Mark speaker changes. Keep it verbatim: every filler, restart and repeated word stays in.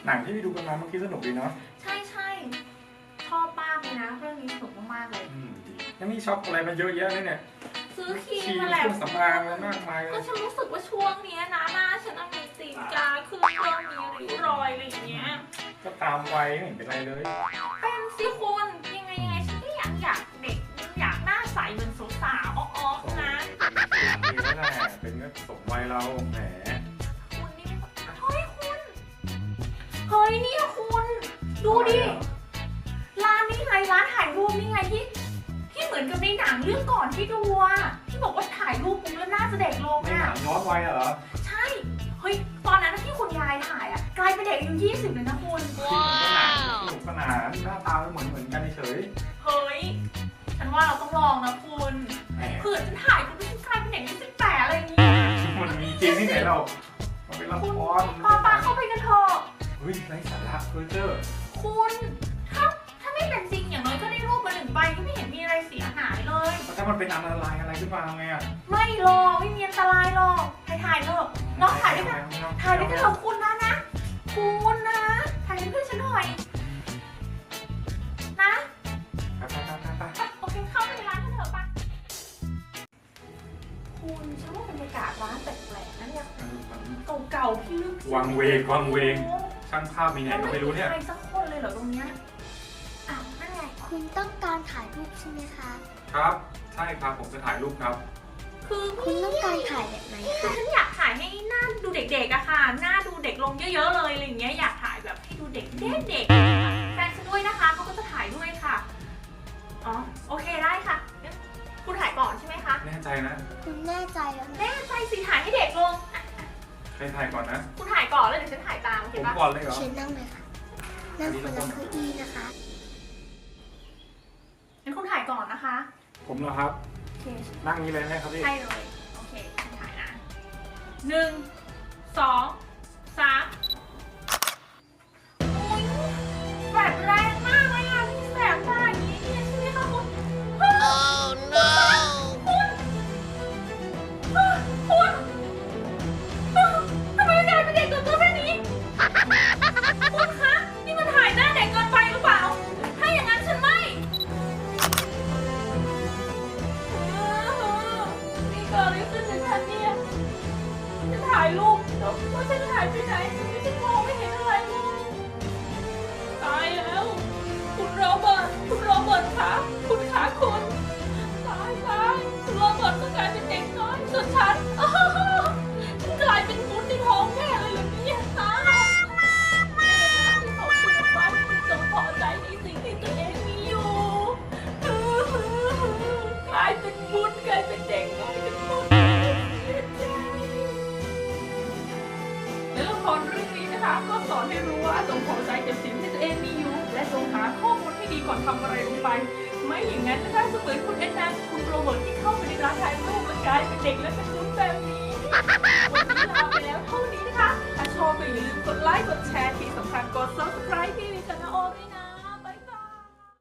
Speaker 1: หนังที่ไปดูกันมาเมื่อกี้สนุกดีเนาะ
Speaker 2: ใช่ใช่ชอบมากเลยนะเรื่องนี้สนุกมากๆเลย
Speaker 1: อืมดีแล้วนี่ช็อปอะไรมาเยอะแยะเลยเนี่ย
Speaker 2: ซื้อครีม
Speaker 1: ครีม
Speaker 2: มา
Speaker 1: เค
Speaker 2: แหละ
Speaker 1: รื่องสำอางอะไรมากมายเล
Speaker 2: ก็
Speaker 1: ย
Speaker 2: ฉันรู้สึกว่าช่วงนี้นะหน้าฉันมีตีนกาคือเริ่มมีริ้วรอยอะไรอย่างเงี้ย
Speaker 1: ก็ตามวัยไม่เห็นเป็นไรเลย
Speaker 2: เป็นสิคุณยังไงยังไงฉันก็อยากอยากเด็กอยากหน้าใสเหมือนสาวๆอ๊อกๆนะ
Speaker 1: ดีแล้วแหละเป็นก็สมวัยเราแหม
Speaker 2: คุณนี่เฮ้ยคุณเฮ้ยนี่คุณดูดิร้านนี้ไงร้านถ่ายรูปนี่ไงที่ที่เหมือนกับในหนังเรื่องก่อนที่ดูอะที่บอกว่าถ่ายรูปปุ๊บแล้วหน้าจะเด็กลง
Speaker 1: ในห
Speaker 2: อะ
Speaker 1: นังย้อนวัยอะเหรอ
Speaker 2: ใช่เฮ้ยตอนนั้นที่คุณยายถ่ายอะกลายเป็นเด็กอายุยี่สิบเลยนะคุณ
Speaker 1: ว้าวสนุกสนานหน้าตาเหมือนเหมือนกันเฉย
Speaker 2: เฮ้ยฉันว่าเราต้องลองนะคุณเผื่อฉันถ่ายคุณฉันกลายเป็นเด็กอายุสิบแปดอะไรอย่างงี้
Speaker 1: มันมีจริงที่ไหนเรามันเป็นละคร
Speaker 2: ปาปาเข้าไปกันเถอะ
Speaker 1: เฮ้ยไร้สาระเพอเจอร์
Speaker 2: คุณถ้าถ้าไม่เป็นจริงอย่างน้อยก็ได้รูปมาหนึ่งใบก็ไม่เห็นมีอะไรเสียหายเลย
Speaker 1: ถ้ามันเป็นอันตรายอะไรขึ้นมาไงอ่ะ
Speaker 2: ไม่หรอกไม่มีอันตรายหรอกถ่ายถ่ายเถอะน้องถ่ายด้วยกันถ่ายด้วยกันเถอะคุณนะนะคุณนะถ่ายเพื่อนฉันหน่อยนะ
Speaker 1: ไปไปไปไป
Speaker 2: โอเคเข้าไปในร้านกันเถอะปะคุณฉันว่าบรรยากาศร้านแปลกๆนะเนี่ยเก่าๆพี่ลึก
Speaker 1: วังเวงวังเวงช่างภาพมีไหนก็ไม่รู้เนี่ย
Speaker 2: ไม่มีใครสักคนเลยเหรอตรงเนี้ยอ้าวนั่นไง
Speaker 3: คุณต้องการถ่ายรูปใช่ไหมคะ
Speaker 1: ครับใช่ครับผมจะถ่ายรูปครับ
Speaker 2: คือ
Speaker 3: คุณต้องการถ่ายแบบไหน
Speaker 2: คือฉันอยากถ่ายให้หน้าดูเด็กๆอะค่ะหน้าดูเด็กลงเยอะๆเลยอะไรอย่างเงี้ยอยากถ่ายแบบให้ดูเด็กเด็กๆแฟนฉันด้วยนะคะเขาก็จะถ่ายด้วยค่ะอ๋อโอเคได้ค่ะคุณถ่ายก่อนใช่ไหมคะ
Speaker 1: แน่ใจนะ
Speaker 3: คุณแน่ใจแล้ว
Speaker 2: แน่ใจสิถ่ายให้เด็กลง
Speaker 1: ใครถ่ายก่อนนะ
Speaker 2: คุณถ่ายก่อนแล้วเดี๋ยวฉันถ่ายตามโอเค
Speaker 1: ปะ
Speaker 2: ผม
Speaker 1: ก่อนเลยเหรอ
Speaker 3: เชิญนั่งเลยค่ะนั่งคนละเก้าอี้นะคะ
Speaker 2: งั้นคุณถ่ายก่อนนะคะ
Speaker 1: ผมเหรอครับ
Speaker 2: โอเค
Speaker 1: นั่งนี้เลยไหมครับพี่
Speaker 2: ใช่เลยโอเคฉันถ่ายนะหนึ่งสองสามโอ้ยแสบแรงมากเลยอ่ะที่แสบตาอย่างนี้เนี่ยใช่ไหมคะคุณ Oh no คุณคุณทำไมกลายเป็นเด็กตัวตัวแค่นี้คุณคะนี่มันถ่ายหน้าเด็กเกินไปหรือเปล่าถ้าอย่างนั้นฉันไม่นี่เกิดอะไรขึ้นกับฉันเนี่ยจะถ่ายรูปแล้วว่าฉันถ่ายไปไหนฉันมองไม่เห็นอะไรเลยตายแล้วคุณโรเบิร์ตคุณโรเบิร์ตคะคุณขาคุณตายตายคุณโรเบิร์ตก็กลายเป็นเด็กน้อยส่วนฉันฉันกลายเป็นมุดในท้องแม่เลยเหรอเนี่ยตายขอบคุณมากที่จงพอใจในสิ่งที่ตัวเองมีอยู่กลายเป็นมุดกลายเป็นเด็กกลายเป็นมุดและละครเรื่องนี้นะคะก็สอนให้รู้ว่าจงพอใจกับสิ่งที่ตัวเองมีอยู่และจงหาข้อมูลให้ดีก่อนทำอะไรลงไปไม่อย่างนั้นนะคะจะเหมือนคุณแอนนาคุณโรเบิร์ตที่เข้าไปในร้านถ่ายรูปและกลายเป็นเด็กและเป็นมุดแบบนี้วันนี้ลาไปแล้วเท่านี้นะคะถ้าชอบก็อย่าลืมกดไลค์กดแชร์ที่สำคัญกด ซับสไครบ์ ที่